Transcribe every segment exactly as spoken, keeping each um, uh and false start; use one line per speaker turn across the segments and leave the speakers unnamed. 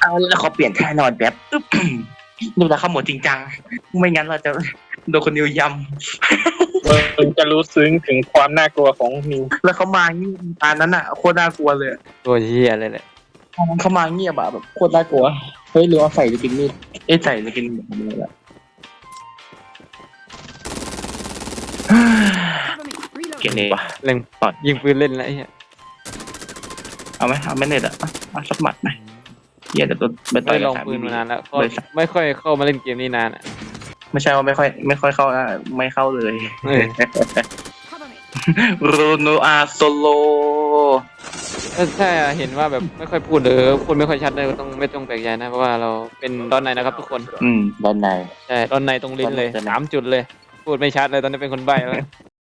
เอาแล้วเขาเปลี่ยนท่านอนแบบอึ๊บดูแลเขาหมดจริงจังไม่งั้นเราจะโดนคนนิวยำ
มึงจะรู้ซึ้งถึงความน่ากลัวของนิว
แล้วเขามาเงียบตอนนั้นอ่ะโคตรน่ากลัวเลย
ตัวเฮียเลยแหละ
ตอนนั้นเขามาเงียบอะแบบโคตรน่ากลัวเฮ้ยหรือว่าใส่จะกินมีดเอ้ยใส่จะกินแบบนี้แหละ เกลียดเลยว่ะ
เล่นปอดยิงปืนเล่นแล้วไอ้เหี้ย
เอาไหมเอาไหม่เน็ตอะเอาสักหมัดไหมเหี้ยแต่ตัวไปต่อ
ไม่
ย
ล
กับ
อง
สาม
ปืน
บี
มานานแล้วก็
บริษัท
ไม่ค่อยเข้ามาเล่นเกมนี้นานอ่ะ
ไม่ใช่ว่าไม่ค่อยไม่ค่อยเข้านะไม่เข้าเลย
เออ
โรโนอาโซโล
ถ้าถ้าเห็นว่าแบบไม่ค่อยพูดหรือพูดไม่ค่อยชัดเลยก็ต้องไม่ต้องแปลกใจนะเพราะว่าเราเป็นตอนไหนนะครับทุกคน
อืมด้านใน
ใช่ตอนในตรงลิ้นเลย
ตอนไหน
สามจุดเลย พูดไม่ชัดเลยตอนนี้เป็นคนใบ้แล้ว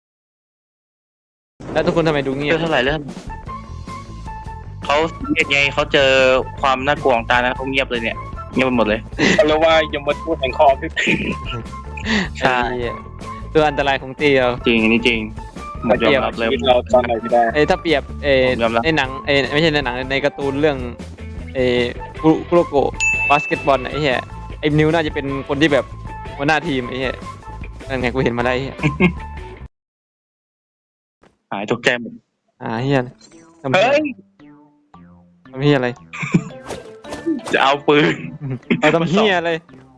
แล้วทุกคนทำไมดูเงีย
เรื่
บ
องเท่าไหร่เรื่องเขาเงียบไงเขาเจอความน่ากลัวของตานะเขาเงียบเลยเนี่ยเงียบไปหมดเลย
เขาเรียกว่ายมทูตแห่งคอพี่
ใช่
ไอ้เหี้ยตัวอันตรายของตีเรา
จริงอันนี้จริงหมดยอมรับเลย
ชีวิตเราตอนไหนไม่ได้
เอ้ยถ้าเปรียบเอ้ย
ผมยอมรับ
ในหนังเอ้ยไม่ใช่ในหนังในการ์ตูนเรื่องเอ้ยคุคุโรโกะบาสเกตบอลน่ะไอ้เหี้ยไอ้นิวน่าจะเป็นคนที่แบบหัวหน้าทีมไอ้เหี้ยนั่นไงกูเห็นมาได้ไอ้เหี้ย
หายตกใจหมด
อ่าเหี้ยทำเหี้ย
เฮ้ย
ทำเหี้ยอะไร
จะเอาปืน
เอาทำเหี้ยอะไร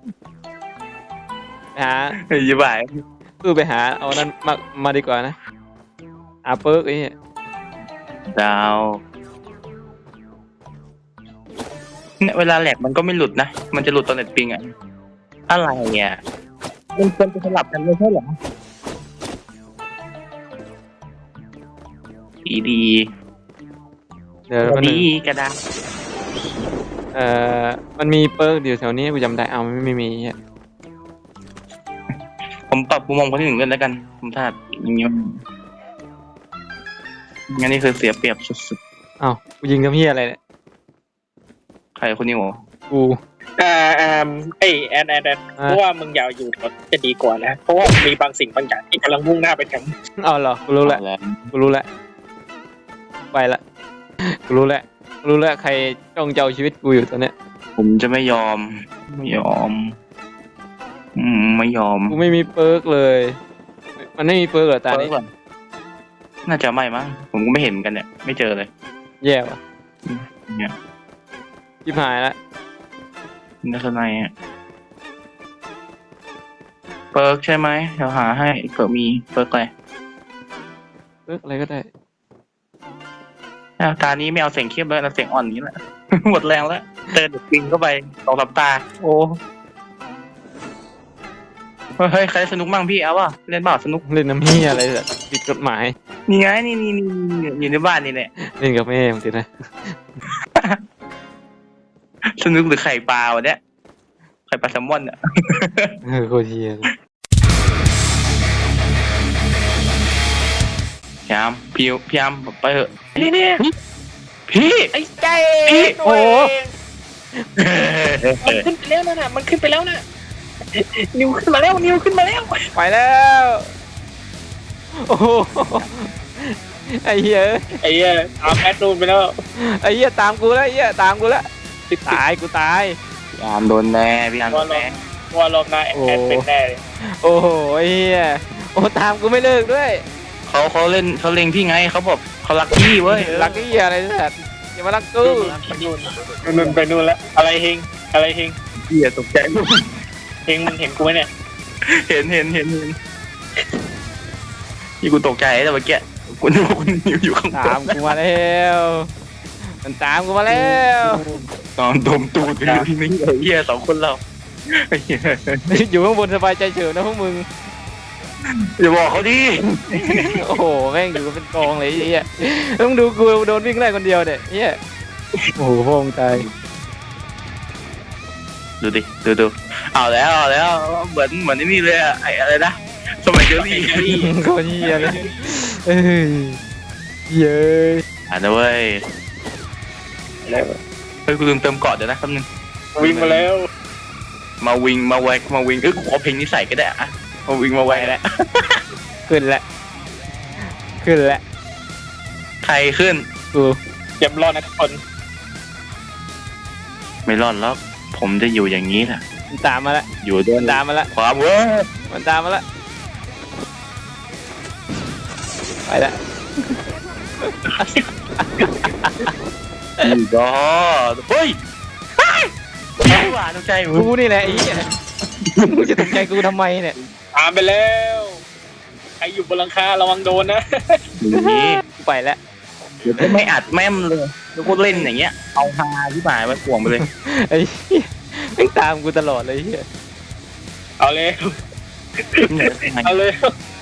ไปหา
เฮ้ยยี่บ่าย
คือไปหาเอานั้นมามาดีกว่านะหาเปิร์กไอ้เหี้ย
ดาวเนี่ยเวลาแหลกมันก็ไม่หลุดนะมันจะหลุดตอนเน็ตปิงอะอะไรอ่ะมันควรจะสลับกันไม่ใช่เหรอดีดี
เดี๋ยวมัน
ดีกระดาษ
เอ่อมันมีเปิร์กอยู่แถวนี้กูจำได้เอาไม่ไม่มีไอ้เหี้ย
ผมปรับมุมมองคนที่หนึ่งเลยแล้วกันผมถ้าอย่างนี้มันงั้นนี่คือเสียเปรียบสุด
เอ้ากูยิงทำเหี้ยอะไรเนี่ย
ๆใครคนนี้โห
กู
อ่าอ่าไอแอนแอนแอนเพราะว่ามึงอยาวอยู่ก่อนจะดีกว่านะ เพราะว่ามีบางสิ่งบางอย่างที่กำลังมุ่งหน้าไปทาง
เอาเหรอกูรู้แล้ว
แล้ว
กูรู้แล้วไปละกูรู้แล้วกูรู้แล้วใครจ้องจะเอาชีวิตกูอยู่ตอนเนี้ย
ผมจะไม่ยอม ไม่ยอม อืมไม่ยอม
กูไม่มีเปิร์กเลย มันไม่มีเปิร์กเหรอตานี้
เปิดก่อนน่าจะไม่มั้งผมก็ไม่เห็นเหมือนกันเนี่ย ไม่เจอเลย
แย่ว่ะ
เนี่ย
ชิบหายละ
นักในอ่ะเปิร์กใช่ไหมเดี๋ยวหาให้เผื่อมีเปิร์กอะไร
เปิร์กอะไรก็ได้
อ่ะตานี้ไม่เอาเสียงเข้มแล้วเอาเสียงอ่อนอย่างนี้แหละ หมดแรงแล้วเตือนเด็กปิงเข้าไปสองสามตา โอ้เฮ้ยใครสนุกมั่งพี่เอาป่ะเล่นเปล่าสนุก
เล่นน้ำเหี้ยอะไรแบบผิดกฎหมาย
นี่ไงนี่นี่นี่นี่อยู่ในบ้านนี่แหละ
เล่นกับแม่มึงติดนะ
สนุกหรือไข่ปลาวะเนี่ยไข่ปลาแซลมอนอ่ะ
เออโคตรเหี้ยเลย
พยายามพี่พยายามไปเถอะนี่นี่พี่
ไอ้ใจ
พี่
โอ้โห
มันขึ้นไปแล้วนะมันขึ้นไปแล้วนะนิวขึ้นมาแล้วนิวขึ้นมาแล้ว
ไปแล้วโอ้โหไอ้เหี้ย
ไอ้เหี้ยตามแอดนูนไปแล้ว
ไอ้เหี้ยตามกูแล้วไอ้เหี้ยตามกูแล้วตายกูตาย
พยายามโดนแน่พยายามโดนแน่
ว่ารอบหน้าแอดเป็นแน่เลย
โอ้โหไอ้เหี้ยโอ้ตามกูไม่เลิกด้วย
เขาเขาเล่นเขาเล็งพี่ไงเขาบอกเขารักพี่เว้ย
รักไอ้เหี้ยอะไรสัตว์อย่ามารักกู
ไปนู่นนู่นไปนู่นแล้วอะไรเฮงอะไรเฮง
พี่อย่าตกใจ
เฮงมึงเห็นกูไหมเนี่ย
เห็นเห็นเห็นเห็นพี่กูตกใจแต่เมื่อกี้กูนึกว่าคุณนิวอยู่ข้างบ
ตาม
น
กูมาแล้วมันตามกูมาแล้ว
ตอนดมตูดอยู่ที่นี่ไอ้เหี้ยสองคนเราไอ้เหี้ย
อยู่ข้างบนสบายใจเฉยนะพวกมึง
อย่าบอกเขาดิ
โอ้โหแม่งอยู่กันเป็นกองเลยไอ้เหี้ยต้องดูกูโดนวิ่งไล่คนเดียวเนี่ยเหี้ยโอ้โหพ่อมึงตาย
ดูดิดูดูเอาแล้วเอาแล้วเหมือนเหมือนไอ้นี่เลยอะไอ้อะไรนะสมัยเจอรี่
โคตรเหี้ยเลยเอ้ยเย้ย
อ่านะเว้ยเฮ้ยกูลืมเติมเกาะเดี๋ยวนะแป๊บนึง
วิ่งมาแล้ว
มาวิงมาแวกมาวิงเอ้ยกูขอเพลงนี้ใส่ก็ได้อะมาวิงมาแวกแล้ว
ขึ้นแล้วขึ้นแล้ว
ใครขึ้น
กู
เตรียมรอนะทุกคน
ไม่รอดแล้วผมจะอยู่อย่างนี้แหละ
มันตามมาละ
อยู่ด้วย
มันตามมาละ
ความเว้ย
มันตามมาละไปละ
นี่ก็เฮ้ยไม่หวานตกใจ
กูนี่แหละไอ้เหี้ยมึงจะตกใจกูทำไมเนี่ย
ตามไปแล้วใครอยู่บนหลังคาระวังโดนนะ
นี่
กูไปแล้ว
เดี๋ยวก็ไม่อัดแม่มเลยแล้วก็เล่นอย่างเงี้ยเอาฮาที่หมายไว้ห่วงไปเลย
ไอ้เหี้ยแม่งตามกูตลอดเลยไอ้เหี้ย
เอาเลยเอาเลย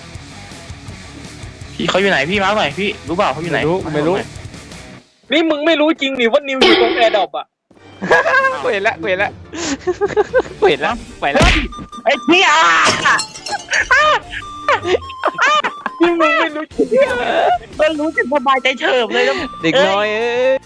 พี่เขาอยู่ไหนพี่มาร์คหน่อยพี่รู้เปล่าเขาอยู่ไหน
ไม่รู้กูไม่รู้
นี่มึงไม่รู้จริงนี่ว่านิวอยู่ตรงแอร์ดรอปอ่ะ
กูเห็นละกูเห็นละกูเห็นละไปแล้ว
ไอ้เหี้ย
นี่มึงไม่รู้จริง
ก็รู้สึกสบายใจเฉิบเลยแล้ว
เด็กน้อยเอ้ย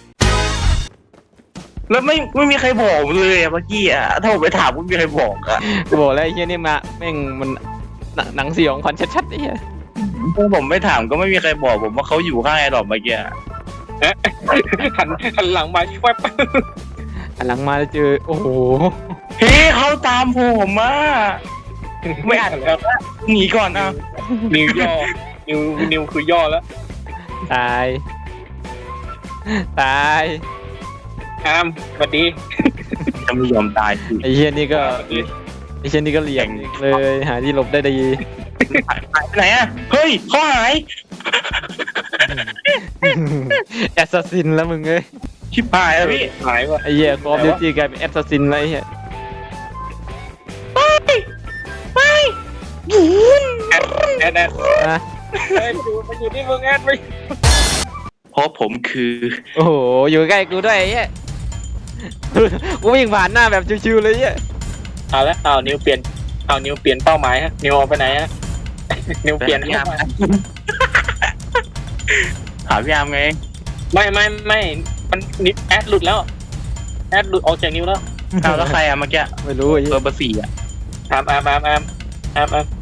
แล้วไม่ไม่มีใครบอกผมเลยอะเมื่อกี้อะถ้าผมไปถามไม่มีใครบอกอะ
กูบอกแล้วไอ้เหี้ยนี่มาแม่งมันหนังหนังสยองขวัญชัดๆไอ้เหี้ย
ถ้าผมไม่ถามก็ไม่มีใครบอกผมว่าเขาอยู่ข้างไอ้ดอกเมื่อกี้อะ
หันหันหลังมาแวบ
หันหลังมาแล้วเจอโอ้โห
เฮ้ยเขาตามผมมาไม่อัด
แล้ว
หนีก่อนอ่ะ
นิวย่อนิวนิวคือย่อแล้ว
ตายตาย
อามสวัสดี
จะไม่ยอมตายสิ
ไอ้เหี้ยนี่ก็ไอ้เหี้ยนี่ก็เหลี่ยมเลยหาที่หลบได้ดี
หายไปไหนอะเฮ้ยเขาหาย
แอสซัสซินแล้วมึงเอ้ย
ชิบหายแล้วพี่
หายว่ะ
ไอ้เหี้ยคอมดิวตี้กลายเป็นแอสซัสซินแล้วไอ้เหี้ย
แอดแอดแอด
นะ
แอดอยู่มันอยู่ที่มึงแอดไป
เพราะผมคือ
โอ้โหอยู่ใกล้กูด้วยไอ้เหี้ยกูวิ่งผ่านหน้าแบบชิวๆเลยไอ้เหี้ย
เอาละเอานิวเปลี่ยนเอานิวเปลี่ยนเป้าหมายฮะนิวเอาไปไหนฮะนิวเปลี่ยน
พี่
เป้า
อาร์ม
หมาย
หาพี่อาร์มไง
ไม่ไม่ไม่มันนิแอดหลุดแล้วแอดหลุดออกจากนิวแล้ว
เอาแล้วใครอะเมื่อกี้
ไม่รู้ไอ้
เบ
เหี้
อย ร์เบอร์สี่อะ
อามอามอามอามอามอาม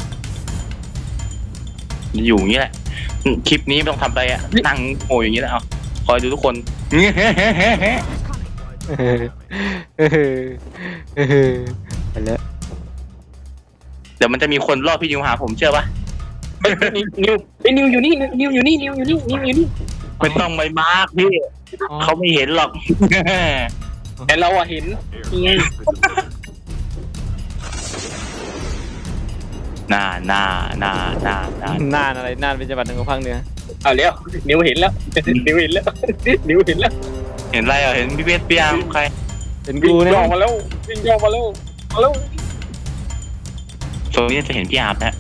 อยู่อย่างนี้แหละคลิปนี้ไม่ต้องทำอะไรอะนั่งโง่อย่างนี้แหละเอาคอยดูทุกคน
ไปแล้ว
เดี๋ยวมันจะมีคนรอบพี่นิวหาผมเชื่อปะ
เฮ้ยนิวนิวเฮ้ยนิวอยู่นี่นิวอยู่นี่นิวอยู่นี่นิวอยู่นี่
ไม่ต้องไปมาร์กพี่เขาไม่เห็นหรอก
แต่เราอะเห็นนี่ไง
หน้าหน้าหน้าหน้าหน้า
น่านอะไรน่านเป็นจังหวัดหนึ่งของภาคเหนือ
เอาแล้วนิวเห็นแล้วนิวเห็นแล้วนิวเห็นแล้ว
เห็นอะไรอ่ะเห็นพี่เบสพี่อาร์มใคร
เป็น
วิ่
กู
ง
เนี่ย
ย่อมาแล้ววิ่งย่อมาแล้วมาแล้ว
ตรงนี้จะเห็นพี่อาร์มนะ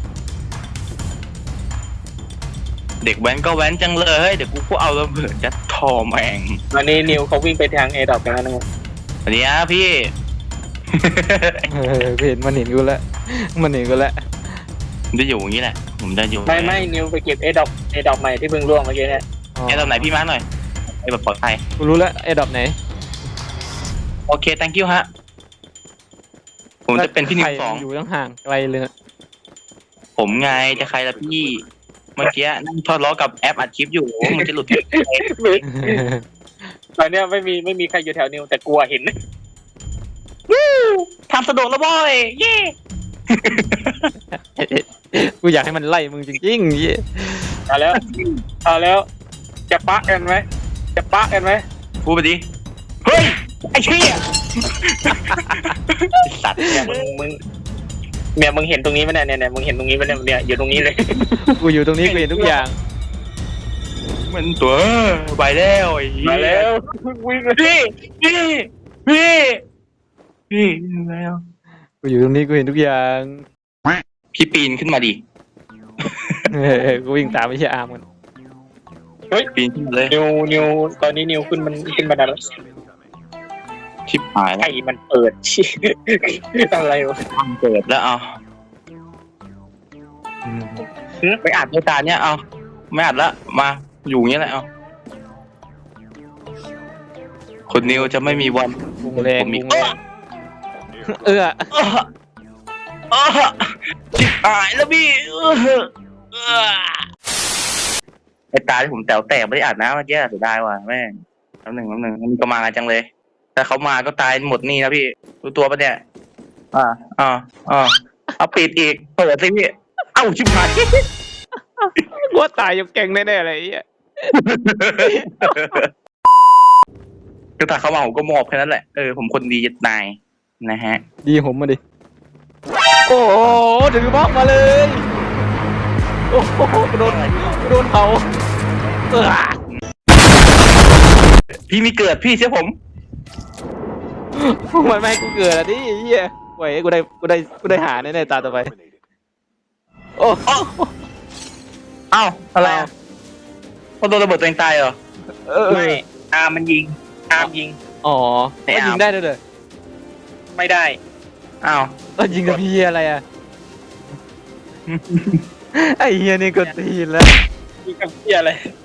เด็กแว้นก็แว้นจังเลยเดี๋ยวกูก็เอาระเบิดยัดทอแมง
วันนี้นิวเขาวิ่งไปทางเอดอกกันแล้วนะครับ
อันนี้นะพี่
เออกูเห็นมันเห็นกูแล้วมันเห็นกูแล้ว
ผมจะอยู่อย่างนี้แหละผมจะอยู่
ไม่ไม่นิวไปเก็บเอดอกเอดอกใหม่ที่เพิ่งร่วงเมื่อกี้เนี่ย
อ๋อ
ไอ้ตอนไหนพี่มาร์คหน่อยไอ้แบบปลอดภัย
กูรู้แล้วไอ้ดอกไหน
โอเค thank you ฮะผมจะเป็นพี่นิวสอง
อยู่ตั้งห่างไกลเลยนะ
ผมไงจะใครละพี่เมื่อกี้นั่งทอดล้อกับแอปอัดคลิปอยู่มันจะหลุด
ตอนเนี้ยไม่มีไม่มีใครอยู่แถวนิวแต่กลัวเห็น
ทำสะดวกแล้วบอยเย่
กูอยากให้มันไล่มึงจริงๆเหี้ย
เอาแล้วเอาแล้วจะปะกันไหมจะปะกันไหม
พูดไปดิเฮ้ยไอ้เชี่ยไอ้สัตว์
เนี่ยมึงมึงเนี่ยมึงเห็นตรงนี้ไหมเนี่ยเนี่ยมึงเห็นตรงนี้ไหมเนี่ยเนี่ยอยู่ตรงนี้เลย
กูอยู่ตรงนี้กูเห็นทุกอย่าง
มันตัวไปแล้วไอ้เหี้ย
มาแล้ววิ่งเลย
พี่พี่พี่พี่แล้ว
กูอยู่ตรงนี้กูเห็นทุกอย่าง
พี่ปีนขึ้นมาดิ
เออกูวิ่งตามไม่ใช่อาร์มกัน
ปีนขึ้นมาเลย
นิวนิวตอนนี้นิวขึ้นมันขึ้นบันไดแล้ว
ชิบหายแล้ว
ไอ้มันเปิด ชิอะไรวะ
ทางเปิดแล้วเอา
อืม
ไปอัดรายการเนี้ยเอาไม่อัดละมาอยู่อย่างเงี้ยแหละเอาคนนิวจะไม่มีวัน
วงแรง
ผมมี
วงแรงเออ
เออเออชิบหายแล้วพี่เออเออไอ้ตาที่ผมแต๋วแตกไม่ได้อัดนะเมื่อกี้เสียดายว่ะแม่งแป๊บหนึ่งแป๊บหนึ่งมันก็มาจังเลยแต่เขามาก็ตายหมดนี่นะพี่รู้ตัวปะเนี่ยอ่าอ่าอ่าเอาปิดอีกเปิดสิพี่เอ้าชิบหาย
กูว่าตายอยู่แกงแน่ๆเลยไอ้เหี้ย
ก็ถ้าเขามาผมก็มอบแค่นั้นแหละเออผมคนดีจะตายนะฮะ
ดีผมมาดิโอ้โหถือบล็อกมาเลยโอ้โหกูโดนกูโดนเผาเออ
พี่มีเกิดพี่เชื่อผม
มันไม่ให้กูเกิดอ่ะดิไอ้เหี้ยไหวกูได้กูได้กูได้หาแน่ๆตาต่อไปโอ้
เอ้าอะไรอ่ะเขาโดนระเบิดตัวเองตายเหรอ
เออ
ไม่อาร์มมันยิงอาร์มยิง
อ๋อ
ไม่
ก็
เอายิ
ยิงได้ด้วยเลย
ไม่ได้
อ้าว
ก็ยิงกับพี่อะไรอ่ะ ไอ้เฮียนี่ก็ตีนแล้ว
ยิงกับเพี้ยอะไร